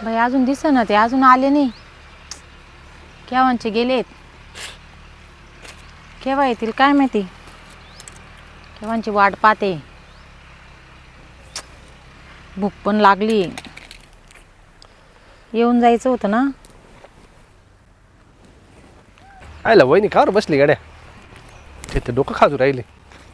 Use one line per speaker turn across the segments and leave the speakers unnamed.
बाई अजून दिसेना ते, अजून आले नाही. केव्हांचे गेलेत, केव्हा येतील काय माहिती. केव्हांची वाट पाहते. भूक पण लागली, येऊन जायचं होतं ना.
आयला वहिनी खावर बसली गाड्या, तिथे डोकं खाजू राहिले.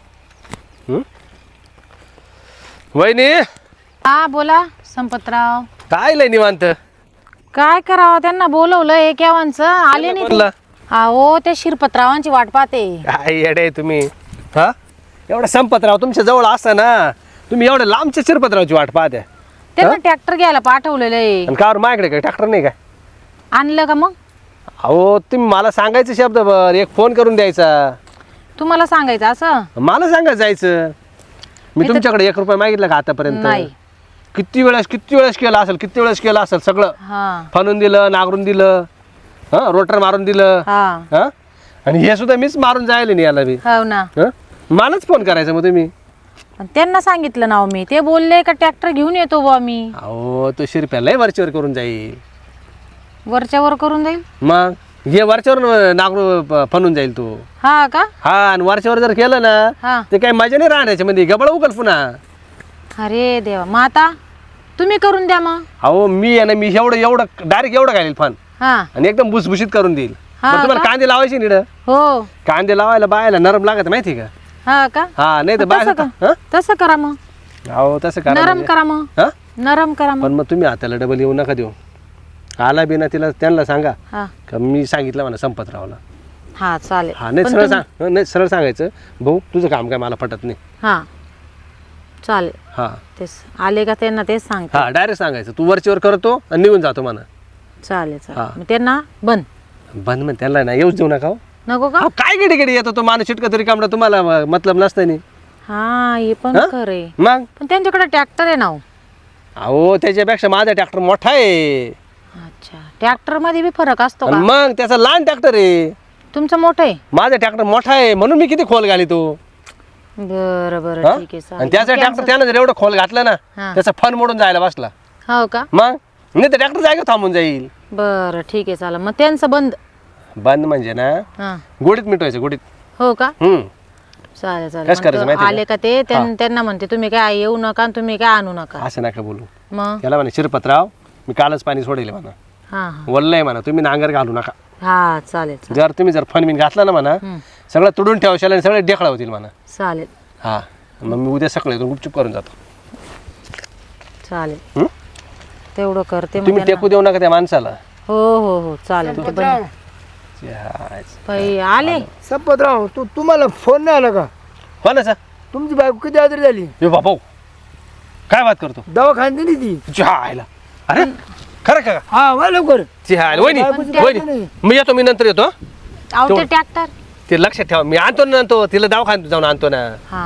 वहिनी
हा बोला संपतराव.
काय लय निवांत.
काय करावं, त्यांना बोलवलंय केव्हांचं, आले नाही ते. हो ते शिरपतरावांची वाट पाहते.
काय येडे तुम्ही. हा एवढा संपतराव तुमच्या जवळ असता ना, तुम्ही एवढ्या लांबच्या शिरपतरावची वाट पाहत्या.
त्यांना ट्रॅक्टर घ्यायला पाठवलेलं आहे.
आणि कावर माझ्याकडे काय ट्रॅक्टर नाही काय?
आणलं का मग?
अहो तुम्ही मला सांगायचं शब्दभर, एक फोन करून द्यायचा.
तुम्हाला सांगायचं असं?
मला सांगायचं जायचं. मी तुमच्याकडे 1 रुपया मागितला का आतापर्यंत?
नाही.
किती वेळेस केलं असेल सगळं.
हा
फनून दिलं, नागरून दिलं, हा रोटर मारून दिलं,
हा
हा आणि हे सुद्धा मीच मारून जायला नाही याला बी.
हो ना.
मलाच फोन करायचा मग तुम्ही.
पण त्यांना सांगितलं ना मी, ते बोलले का ट्रॅक्टर घेऊन येतो बुवा मी.
अहो तो शिरप्याला वरच्यावर करून जाईल.
वरच्यावर करून जाईल?
मग हे वरच्यावर नागरू फनून जाईल तो.
हा का?
हा आणि वरच्यावर जर केलं ना
हा.
ते काही मजा नाही राहण्याच्या मध्ये, गबळ उकल पुन्हा.
अरे देवा, मग आता तुम्ही करून द्या मग.
अहो मी आहे ना, मी एवढं डायरेक्ट एवढं घालील फन
हा
आणि एकदम भुसभुशीत करून देईल.
हा
मग तुम्हाला
का?
कांदे लावायचे निड.
हो.
कांदे लावायला बायला नरम लागत माहिती का?
हा का?
हा नाही तर
तसं
बाय.
तसं करा मग.
अहो तसं करा
नरम
म्हणजे.
करा मग.
हा?
नरम करा
पण
मग.
मग तुम्ही हाताला डबल येऊ नका देऊ. आला बिना तिला त्यांना सांगा
हा
का मी सांगितलं म्हणा संपतरावला.
हा चालेल.
हा नाही
पण
सरळ
तुम्ही-
सांग, नाही सरळ सांगायचं भाऊ तुझं काम काय मला पटत नाही.
हा चालेल.
हा
तेच आले का त्यांना तेच सांगते.
हा डायरेक्ट सांगायचं तू वरचीवर करतो आणि निघून जातो म्हणा.
चालेल
हा.
चालेल. मग त्यांना बंद
बंद मग त्याला ना येऊच देऊ नका हो.
नको का?
अहो, काय गिडी येतो तो माणूस चिटका तरी कामडा तुम्हाला मतलब नसतं नाही.
हा हे पण
हा?
खरे.
मग
पण त्यांच्याकडे ट्रॅक्टर आहे ना हो.
अहो त्याच्यापेक्षा माझा ट्रॅक्टर मोठा आहे.
अच्छा, ट्रॅक्टर मध्ये बी फरक असतो
आणि
का?
मग त्याचा लहान ट्रॅक्टर आहे.
तुमचं मोठं आहे.
माझा ट्रॅक्टर मोठा आहे म्हणून मी किती खोल घाली तो.
बरं बरं
हा?
ठीक आहे
आणि
चालेल.
त्याचा ट्रॅक्टर त्यानं जर एवढं खोल घातलं ना
हा.
त्याचा फन मोडून जायला बसला.
हो का?
मग नाही तर ट्रॅक्टर जायगा थांबून जाईल.
बरं ठीक आहे चालेल. मग त्यांचं बंद.
बंद म्हणजे ना
हा
गोडीत मिटवायचं गोडीत.
हो का? चालेल चालेल.
कसं करायचं
मग
माहिती आहे
आले का ते त्यांना म्हणते तुम्ही काय येऊ नका आणि तुम्ही काय आणू नका.
असं नका बोलू.
मग
त्याला म्हणा शिरपतराव मी कालच पाणी सोडेल म्हणा.
हा हा
वल्लय म्हणा तुम्ही नांगर घालू नका.
हा चालेल चालेल.
जर तुम्ही फन बिन घातला ना म्हणा सगळं तुडून ठेवशाल आणि सगळे डेखळा होतील म्हणा.
चालेल
हा मग मी उद्या सकाळी येतो गुपचूप करून जातो.
चालेल.
हं?
तेवढं करते मग
तुम्ही
त्यांना.
टेकू देऊ नका त्या माणसाला.
हो हो हो चालेल. ते बंद. बाई आले.
संपतराव तुम्हाला फोन नाही आला का?
हो ना सर.
तुमची बायको किती आजारी झाली?
ये बाबा काय बात करतो.
दवाखान्यात दिली ती.
तुझ्या आईला. अरे खरं का?
हा वा लवकर.
वहिनी वहिनी मी येतो, मी नंतर येतो.
अहो ते ट्रॅक्टर.
ते लक्षात ठेवा मी आणतो ना, आणतो तिला दवाखान्यात जाऊन आणतो ना.
हा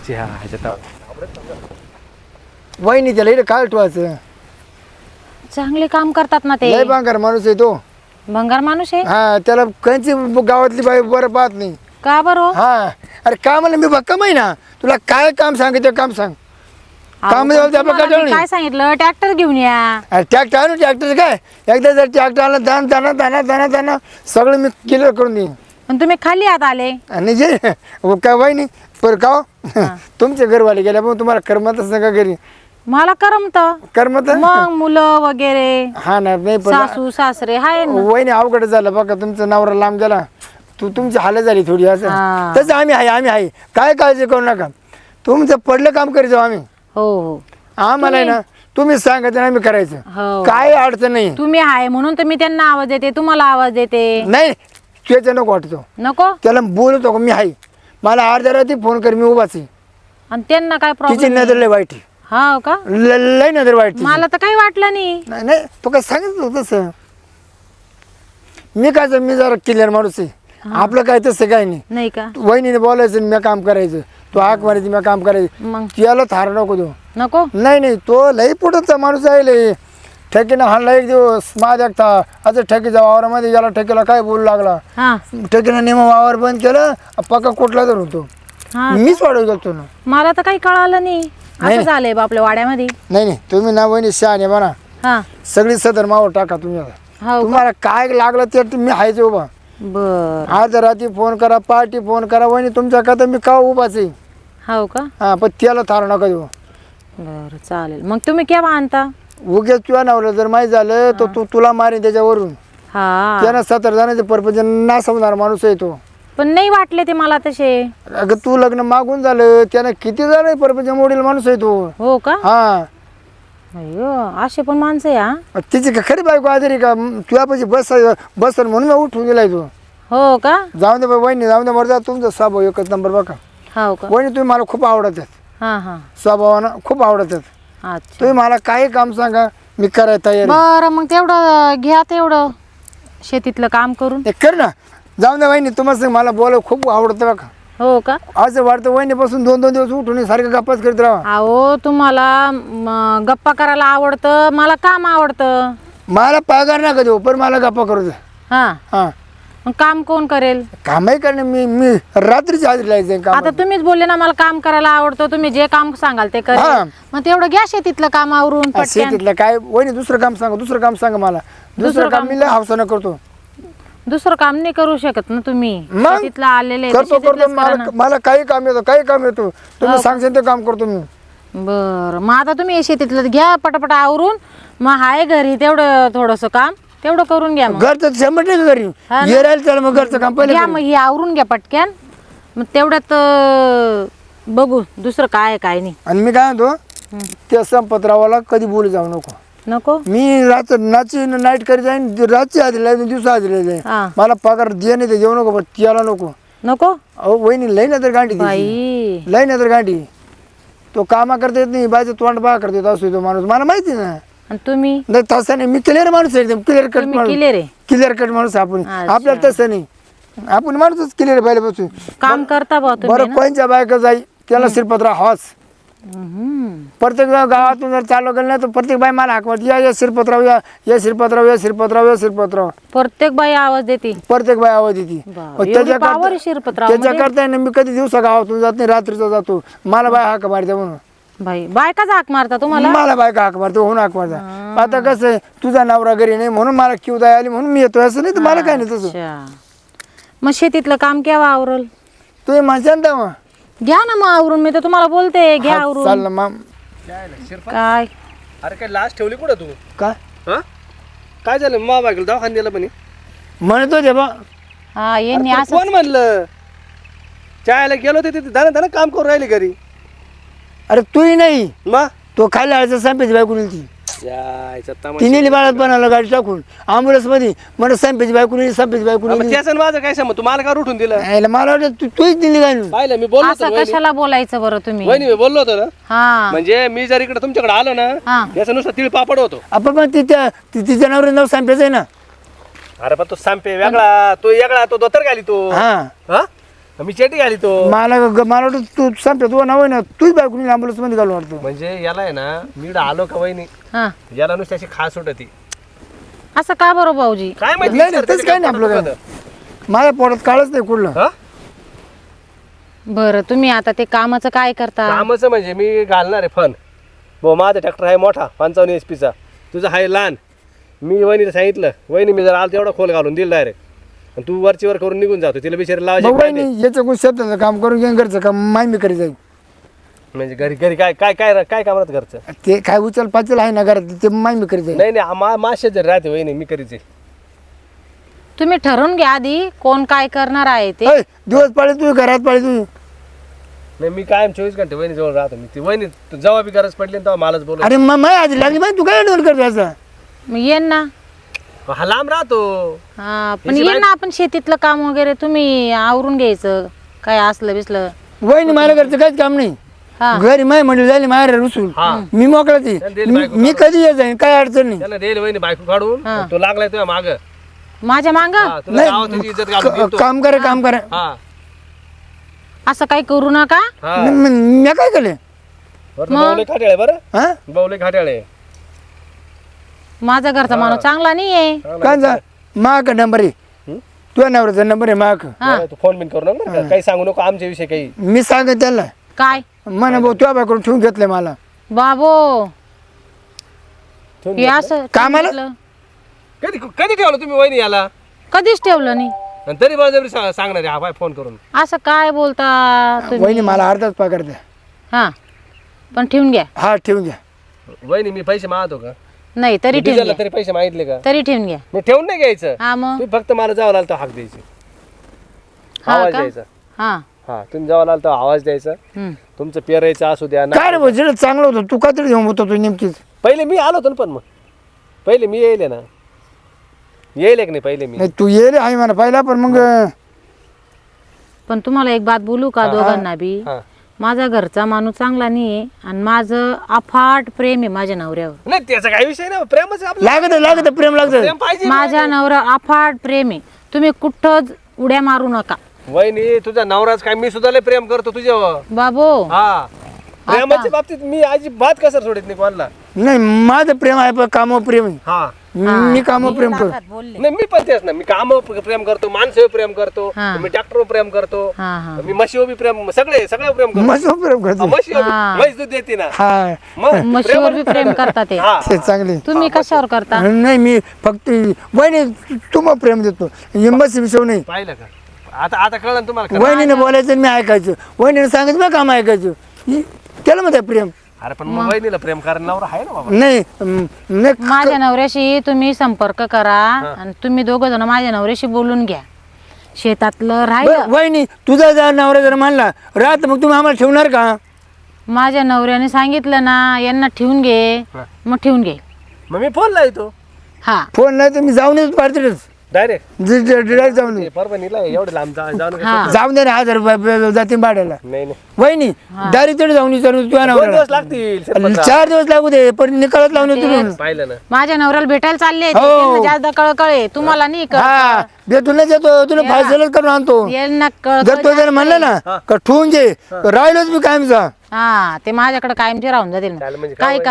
वहिनी त्याला इकडे काय ठेवायचं?
चांगले काम करतात ना ते.
लय बांगर माणूस आहे तो.
भंगार माणूस आहे.
हा त्याला कंची गावातली बाई बरं पाहत नाही.
का बरं?
हा अरे का म्हणलं मी भक्कम आहे ना, तुला काय काम सांगितलं काम सांग. काम
अहो,
आपलं
तुम्हाला
काय
मी काय सांगितलं, ट्रॅक्टर घेऊन या.
अरे ट्रॅक्टर आणू ट्रॅक्टर काय एकदा जर ट्रॅक्टर आला दाना सगळं मी क्लिअर करून देईन.
पण तुम्ही खाली आत आले.
आणि जे काय वहिनी पर का हो? तुमचे घरवाले गेल्या पण तुम्हाला करमतच नका घरी.
मला करमत
करमत
मग मुलं वगैरे
हा ना नाही पण
सासू सासरे हाय ना.
वहिनी अवघड झालं बघा, तुमचा नवरा लांब गेला तुमची हालत झाली थोडी असं.
हा.
तसं आम्ही आहे काय काळजी करू नका. तुमचं पडलं काम करीत जाऊ आम्ही.
हो हो
आम्हाला आहे ना तुम्ही सांगायचं आम्ही करायचं.
हो.
काय अडचण नाही.
तुम्ही आहे म्हणून तर मी त्यांना आवाज देते, तुम्हाला आवाज देते.
नाही त्याचं नको वाटतो.
नको.
त्याला बोलतो का मी आहे, मला अर्ध्या रात्री फोन कर मी उभाच आहे.
आणि त्यांना काय
तिची
प्रॉब्लेम?
नजर लय वाईट आहे.
हा का?
लय नजर वाईट तिची.
मला तर काही वाटलं नाही.
नाही तो काय सांगितलं होतं तसं. मी काय मी जरा क्लिअर माणूस आहे. आपलं काय तसं काय नाही.
नाही का?
वहिनीने बोलायचं मी काम करायचं, तो हाक मारायची मी काम करायचं.
मग
त्याला थार नको तो.
नको.
नाही तो लई पुढचा माणूस आहे. लई ठेकीनं हाणला एक दिवस माझ्या असं ठेकीच्या वावरामध्ये गेला, ठेकीला काय बोलू लागला.
हा
ठेकीनं नेमं वावर बंद केलं, पक्का कुठला तर होतो.
हा
मीच वाढवू गेलो ना.
मला तर काही कळालं नाही. असं झालंय बा आपल्या वाड्यामध्ये.
नाही तुम्ही ना वहिनी शहाणे म्हणा
हा
सगळी सदर मावर टाका तुम्ही आता.
हो
तुम्हाला काय लागलं ते मी हायच उभा.
बर
आज रात्री फोन करा, पार्टी फोन करा, वहिनी तुमच्या कथा मी का उभाच आहे.
हो का
हा पण त्याला थार नका देऊ.
बर चालेल. मग तुम्ही केव्हा आणता?
उगेच तुझ्या नवऱ्या जर माहीत झालं तर तुला मारेन त्याच्यावरून.
हा
त्यानं 17 जणांचे परपंच नासवणार माणूस आहे तो.
पण नाही वाटले ते मला तसे.
अगं तू लग्न मागून झालं त्यानं किती जण परपंच मोडील माणूस आहे तो.
हो का?
हा
अय्यो असे पण माणसं आहे हा.
तिची का खरी बायको आजारी का तुझ्यापाशी बस म्हणून मी उठून दिलाय तू.
हो का?
जाऊन दे बाई वहिनी, जाऊन दे मरजा. तुमचा स्वभाव एकच नंबर बघा.
हो का?
वहिनी तुम्ही मला खूप आवडतात.
हा हा
स्वभावानं खूप आवडतात.
अच्छा
तुम्ही मला काही काम सांगा मी करायला तयार आहे.
बरं मग तेवढं घ्या तेवढं शेतीतलं काम करून.
ते कर ना. जाऊन दे वहिनी, तुम्हाला सांग मला बोलायला खूप आवडतं बघा.
हो का?
असं वाटतं वहिनीपासून 2-2 दिवस उठून सारखं गप्पाच करत राहा.
अहो तुम्हाला गप्पा करायला आवडतं, मला काम आवडतं.
मला पगार नका देऊ पण मला गप्पा करू दे.
हा
हा
मग काम कोण करेल?
कामही करणे मी रात्रीची हजेरी लायचं काम.
आता तुम्हीच बोलले ना मला काम करायला आवडतं, तुम्ही जे काम सांगाल ते
हा.
करेल. मग तेवढं घ्या शेतीतलं काम आवरून पटकन.
शेतीतलं काय वहिनी दुसरं काम सांगा, दुसरं काम सांगा मला. दुसरं काम मी लय हौसानं करतो.
दुसरं काम नाही करू शकत ना तुम्ही?
मग?
शेतीतलं आलेले तर
करतो
शेतीतलंच करा ना.
मला काही काम येतो, काही काम येतो. तुम्ही सांगशाल ते काम करतो मी.
बरं मग आता तुम्ही हे शेतीतलं घ्या पटापट आवरून. मग हाय घरी तेवढं थोडस काम तेवढं करून घ्या. मग
घरचं 100% घरी
हा ना.
ये राहील त्याला मग घरचं काम पहिले
घ्या
करू.
मग हे आवरून घ्या पटक्यान. मग तेवढ्यात बघू दुसरं काय आहे, काय नाही.
आणि मी काय म्हणतो त्या संपतरावाला कधी बोलू जाऊ नको.
नको
मी नाची नाईट करी जाईन, रातची आधी जाईन, दिवसा आधी जाईन.
हा
मला पगार दे नाही ते देऊ नको पण त्याला नको.
नको
अहो वहिनी लई ना तर गांडी
बाई.
लई ना तर गांडी. तो कामा करता येत नाही, बायचं तोंड बा करता येत असतो तो माणूस. मला माहिती ना.
आणि तुम्ही
नाही तसं नाही, मी क्लिअर माणूस आहे एकदम क्लिअर कट
तुम्ही
माणूस.
क्लिअर आहे.
क्लिअर कट माणूस आपण.
अच्छा.
आपल्याला तसं नाही, आपण माणूसच क्लिअर पाहिजे बसून.
काम करता बा तुम्ही
बरं
ना?
कोणच्या बायका जाई त्याला शिरपत्रा हॉस.
हम्म.
प्रत्येक गावातून जर चालू केलं नाही तर प्रत्येक बाई मला हाक या शिरपत्राव या शिरपत्राव या शिरपत्राव या शिरपत्राव.
प्रत्येक बाई आवाज देते.
प्रत्येक बाई आवाज येते.
बाप, एवढी power आहे शिरपतरावमध्ये?
त्याच्याकरता आहे ना मी कधी दिवसा गावातून जात नाही, रात्रीचा जातो. मला बाय हाक मारते म्हणून.
बाई बायकाच हाक मारता तुम्हाला?
मला बायका हाक मारते होऊन हाक मारता. आता कसं आहे तुझा नवरा घरी नाही म्हणून मला क्यू दाय आली म्हणून मी येतो. असं नाही तर मला काय नाही तसं.
अच्छा. मग शेतीतलं काम केव्हा आवरल?
तुम्ही म्हणशाल तेव्हा
घ्या ना मग आवरून. मी तर तुम्हाला बोलते घ्या
चाल
आवरून.
ना मग.
काय
अरे काय लास्ट ठेवली कुठं तू?
काय
हा काय झालं? मा बायकोला दवाखान्यात दिलं पण
म्हणतो ते बा
हा यांनी असं
कोण म्हणलं? चायला गेलो ते तिथे धना काम करून राहिले घरी.
अरे तूही नाही
मग
तो खाली आळचा संपेची बायको नेली
यायचा
ती नेली बाळात बनायला गाडी टाकून ॲम्ब्युलन्स मध्ये. मला संपेची बायको नेली, संपेची बायको नेली.
त्याचं माझं काय समज? तू मला का उठून दिलं?
यायला मला वाटतं तूच दिली काय
पाहिलं मी बोललो होतो
असं
ना,
कशाला बोलायचं बरं तुम्ही?
वहिनी मी बोललो होतो ना.
हा
म्हणजे मी जर इकडे तुमच्याकडे आलो ना
हा
याचा नुसतं तीळ पापड होतो.
आपण पण तिच्या नवरे नाव संपेच आहे ना.
अरे पण तो सांपे वेगळा, तो वेगळा, तो धोतर घाली तो.
हा
हा मी चेटी घाली तो.
मला वाटतं तू संपे तू नाव आहे ना तूच बायको नेली ॲम्ब्युलन्स मध्ये घालून वाटतं.
म्हणजे याला आहे ना मी आलो का वहिनी
हा
याला नुसती अशी खास होती.
असं का बरं भाऊजी?
काय माहिती
नाही नाही तसं काय नाही आपलं काय. माझ्या पोटात काळच नाही कुठलं.
हा
बरं तुम्ही आता ते कामाचं काय करता?
कामाचं म्हणजे मी घालणार आहे फन. भाऊ माझा ट्रॅक्टर आहे मोठा 55 HP चा, तुझा आहे लहान. मी वहिनीला सांगितलं, वहिनी मी जर आलं तेवढा खोल घालून दिल डायरेक्ट. आणि तू वरची वर करून निघून जातो. तिला बिचारी
मग
लावायची
वहिनी याचं कोण शेताचं काम करून घेऊन घरचं काम माय मी करी जाईल.
म्हणजे घरी घरी काय काय काय काय काम राहतं घरचं?
ते काय उचल पाचल आहे ना घरात ते माय मी करी जाईल.
नाही नाही माशे जर राहते वहिनी मी करीचे.
तुम्ही ठरवून घ्या आधी कोण काय करणार आहे ते.
ऐ, दिवस पाळी तू घरात पाळी तू.
नाही मी कायम 24 घंटे वहिनी जवळ राहतो. मी ती वहिनी जेव्हा बी गरज पडली ना तेव्हा मलाच बोलव.
अरे मग माय आधी लागली माहिती तू काय डोल करतो असं.
मग येईन ना.
हा लांब राहतो.
हा पण येईन ना आपण शेतीतलं काम वगैरे तुम्ही आवरून घ्यायचं काय असलं बिसलं.
वहिनी मला घरचं काहीच काम नाही.
हा
घरी माय म्हणजे झाली माहेर रुसून
हा
मी मोकळा ती. मी कधी येत जाईन काय अडचण नाही.
त्याला देईल वहिनी बायको काढून. तो लागलाय तुझ्या माग.
माझ्या मांग
तुला गावात त्याची इज्जत घालून देतो.
काम करा काम करा.
हा
असं काही करू नका.
हा
मी काय केलं
बावले खाट्याळे बरं.
हा
बावले खाट्याळे
माझा घरचा माणूस चांगला नाहीये.
काय जा माग नंबर आहे तुझ्या नवऱ्याचा नंबर आहे माग.
तू फोन बिन करू नका बरं का. काही सांगू नको आमच्या विषयी काही.
मी सांगत त्याला
काय
म्हणा भाऊ तुझ्या बायकडून ठेवून घेतलंय मला.
बाबो हे असं
कामाला?
सांगितलं.
कधी कधी ठेवलं तुम्ही वहिनी याला
कधीच ठेवलं नाही.
आणि तरी बळजबरी सांगणार हा बाय फोन करून.
असं काय बोलता तुम्ही?
वहिनी मला अर्धाच पगार द्या.
हा पण ठेवून घ्या.
हा ठेवून घ्या.
वहिनी मी पैसे मागतो का?
नाही तरी ठेवून
डिझेलला
घ्या.
तरी पैसे मागितले का?
तरी ठेवून घ्या.
मी ठेवून नाही घ्यायचं.
हा मग
तुम्ही फक्त मला जावं लागलं तर हाक द्यायची,
हा
आवाज
का?
द्यायचा.
हा
हा तुम्ही जावं लागलं तर आवाज द्यायचा.
हम्म.
तुमचं पेरायचं असू द्या ना.
काय रे भाऊ, जेवढं चांगलं होतं तू का तरी घेऊन होतो तू नेमकीच.
पहिले मी आलो होतो ना, पण मग पहिले मी येईल ना, येईल की नाही पहिले मी.
नाही तू ये रे आहे म्हणा पहिला, पण मग
पण तुम्हाला एक बात बोलू का दोघांना बी?
हा.
माझा घरचा माणूस चांगला नाहीये आणि माझं अफाट प्रेम आहे माझ्या नवऱ्यावर.
नाही त्याचा काही विषय नाही, प्रेमच आहे आपलं.
लागत प्रेम लागत.
प्रेम पाहिजे.
माझ्या नवरा अफाट प्रेम आहे. तुम्ही कुठंच उड्या मारू नका.
वहिनी तुझा नवराच काय, मी सुद्धा लय प्रेम करतो तुझ्यावर.
बाबो
हा प्रेमाच्या बाबतीत मी अजिबात कसर सोडित नाही कोणाला.
नाही माझं प्रेम आहे पण कामावर प्रेम आहे.
हा
मी कामावर प्रेम करतो.
बोलले.
नाही मी पण तेच ना, मी कामावर प्रेम करतो, माणसावर प्रेम करतो,
हा.
मी ट्रॅक्टरवर प्रेम करतो,
हा हा
मी म्हशीवर बी प्रेम, सगळ्यावर प्रेम करतो.
मस्त प्रेम करतो.
म्हशीवर
हा.
म्हैस दूध देते ना.
हा
मग
म्हशीवर बी प्रेम करता ते.
हा.
ते चांगले.
तुम्ही कशावर करता?
नाही मी फक्त वहिनी तुम्हाला प्रेम देतो. हिंमत विषय नाही.
पाहिलं का? आता कळलं ना तुम्हाला खरं?
वहिनीने बोलायचं आणि मी ऐकायचं. वहिनीने सांगायचं मी काम ऐकायचं. त्याला म्हणते प्रेम.
अरे पण मग वहिनीला प्रेम करायला नवरा आहे ना बाबा.
नाही नाही
माझ्या नवऱ्याशी तुम्ही संपर्क करा आणि तुम्ही दोघं जण माझ्या नवऱ्याशी बोलून घ्या. शेतातलं राहिलं.
वहिनी तुझा जर नवरा जर म्हणला राहत मग तुम्ही आम्हाला ठेवणार का?
माझ्या नवऱ्याने सांगितलं ना यांना ठेवून घे, मग ठेवून घे.
मग मी फोन लावतो
हा
फोन नाही तर मी जाऊन येतो पार्टीलाच.
डायरेक्ट.
डिरेक्ट जाऊन येतो.
परभणीला एवढे लांब जाऊन
हा.
जाऊन दे ना 1000 रुपये जातील भाड्याला.
नाही नाही
वहिनी डायरेक्ट तिथे जाऊन विचारून तुझ्या
2
नवऱ्याला.
दिवस लागतील शिरपतराव.
4 दिवस लागू दे पण निकालात लावून येतो म्हणून.
पाहिलं ना.
माझ्या नवऱ्याला भेटायला चालले
हो.
त्यांना जास्त कळकळे तुम्हाला नाही
हा देतो ना देतो तुला फायसलच करून आणतो.
यांना
जर तो जर म्हणलं ना का ठेवून घे राहिलोच मी कायमचा.
हा ते माझ्याकडे कायमचे राहून जातील मग.
चालेल म्हणजे
काही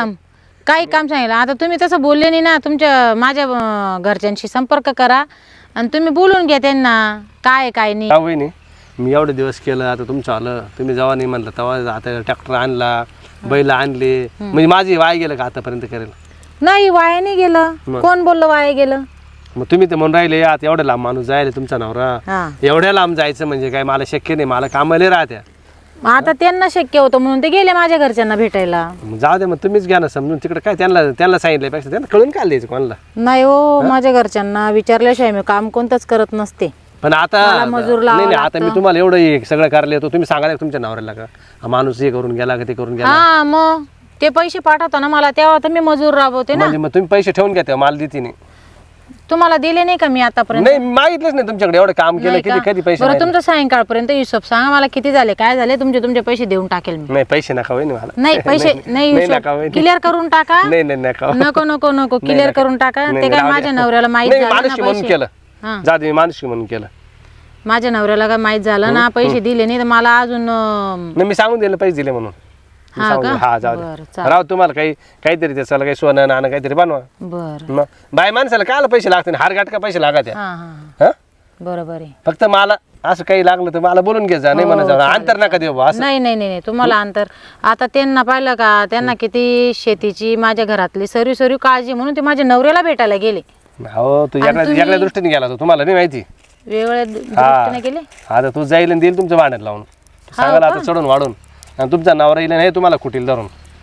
काम सांगितलं. आता तुम्ही तसं बोलले नाही ना. तुमच्या माझ्या घरच्यांशी संपर्क करा आणि तुम्ही बोलून घ्या त्यांना काय काय नाही.
का वहिनी मी एवढे दिवस केलं, आता तुमचं आलं, तुम्ही जेव्हा नाही म्हणलं तेव्हा आता ट्रॅक्टर आणला, बैल आणले, म्हणजे माझी वाय गेलं का आतापर्यंत करेल?
नाही वाया नाही गेलं. कोण बोललं वाया गेलं?
मग तुम्ही ते म्हणून राहिले आता एवढं लांब माणूस जायला तुमचा नवरा,
हा
एवढ्या लांब जायचं म्हणजे काय मला शक्य नाही, मला कामाला राहत्या.
मग आता त्यांना शक्य होतं म्हणून ते गेले माझ्या घरच्यांना भेटायला.
मग जाऊ दे, मग तुम्हीच घ्या ना समजून तिकडे काय त्यांना सांगितल्यापेक्षा त्यांना कळून काय द्यायचं कोणाला.
नाही हो माझ्या घरच्यांना विचारल्याशिवाय मी काम कोणतंच करत नसते.
पण आता
मला मजूर लावावं
नाही आता मी
लागतं.
तुम्हाला एवढं हे सगळं करायला येतो, तुम्ही सांगायला तुमच्या नवऱ्याला का हा माणूस हे करून गेला का ते करून गेला,
हा मग ते पैसे पाठवताना मला तेव्हा तर मी मजूर राबवते ना.
म्हणजे मग तुम्ही पैसे ठेवून घ्या तेव्हा मला देते नाही.
तुम्हाला दिले नाही का मी आतापर्यंत?
नाही मागितलंच नाही तुमच्याकडे, एवढं काम केलं
नाही
किती
का?
कधी पैसे
बरं
नाही.
तुमचं सायंकाळपर्यंत हिशोब सांगा मला किती झाले काय झाले. तुमचे पैसे देऊन टाकेल मी.
नाही पैसे नका वहिनी मला.
नाही पैसे नाही
नका वहिनी.
क्लिअर करून टाका.
नाही नाही नका.
नको नको नको क्लिअर करून टाका.
नाही,
ते
नाही,
काय
राहू
माझ्या
द्या.
नवऱ्याला माहित
नाही,
झालं ना
माणुसकी म्हणून
पैसे.
केलं.
हा.
जा दे माणुसकी म्हणून केलं.
माझ्या नवऱ्याला काय माहित झालं ना पैसे दिले नाही तर मला अजून
नाही मी सांगून दिलं पैसे दिले म्हणून. मी
हा
सांगून
का?
दिलं. हा जाऊ
बरं,
दे
चालेल.
राव तुम्हाला काहीतरी त्याला काही सोनं नाणं काहीतरी बनवा.
बर
मग बाय माणसाला कायला पैसे लागते, हार गाठ का पैसे लागत
हा हा
हा.
बरोबर आहे.
फक्त मला असं काही लागलं तर मला बोलून घे जा, नाही म्हणा जा अंतर नका देऊ बुवा, असं.
नाही नाही नाही नाही, तुम्हाला अंतर. आता त्यांना पाहिलं का त्यांना किती शेतीची माझ्या घरातली सर्व काळजी म्हणून ते माझ्या नवऱ्याला भेटायला गेले.
हो तू याकडे दृष्टीने गेला तो, तुम्हाला नाही माहिती.
वेगवेगळ्या दृष्टीने गेले.
आता तू जाईल आणि देईल तुमच्या भांड्यात लावून सांगायला आता चढून वाढून, आणि तुमचा नवरा येईल नाही तुम्हाला कुटील धरून.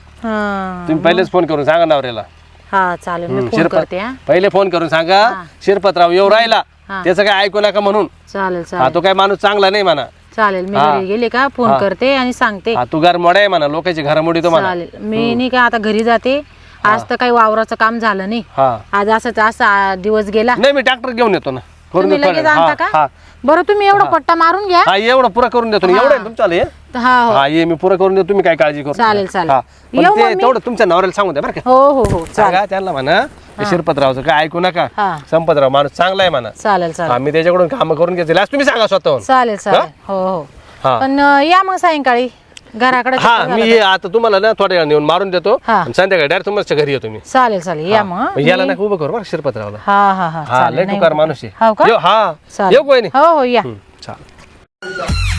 हा
तुम्ही पहिलेच फोन करून सांगा नवऱ्याला.
हा चालेल मी फोन करते. हा
पहिले फोन करून सांगा शिरपतराव येऊ राहिला,
हा.
त्याचं काय ऐकू नका म्हणून.
चालेल
हा
चालेल
तो काय माणूस चांगला नाही म्हणा.
चालेल मी घरी गेले का फोन करते आणि सांगते.
हा तू घर मोडा आहे म्हणा, लोकांची घर मोडी तो म्हणा.
चालेल मी नाही का आता घरी जाते. आज तर काही वावराचं काम झालं नाही.
हा
आज असंच असा दिवस गेला.
नाही मी ट्रॅक्टर घेऊन येतो ना, करून
तुम्ही
देतो
लगेच
ना.
आणता
हा,
का?
हा.
बरं तुम्ही एवढा पट्टा मारून घ्या.
हा एवढं पुरं करून देतो ना, एवढं आहे ना तुमचं आलं हे?
हा हो
हा ये मी पुरं करून देतो, तुम्ही काय काळजी करू नका.
चालेल, चालेल.
हा. पण
येऊ
ते
मग मी?
तेवढं तुमच्या नवऱ्याला सांगू द्या बरं का.
हो हो हो चालेल
सांगा त्यांना म्हणा हे शिरपतरावचं काय ऐकू नका.
हा.
संपतराव माणूस चांगला आहे म्हणा.
चालेल
हा
चालेल
मी त्याच्याकडून काम करून घेतले आज तुम्ही सांगा स्वतःहून.
चालेल चालेल हो हो
हा.
पण या मग सायंकाळी घराकडे
हा
चक्कर
मी
घाला.
हे आता तुम्हाला ना थोड्या वेळा नेऊन मारून देतो
हा.
आणि संध्याकाळी डायरेक्ट तुमच्या घरी येतो मी.
चालेल चालेल या मग
याला नका उभं करू बरं शिरपतरावला.
हा हा हा
हा
चालेल
लय
नाही
टुकार माणूस आहे.
हो का?
येऊ, हा
चालेल.
येऊ कोणी.
हो हो या
चालेल.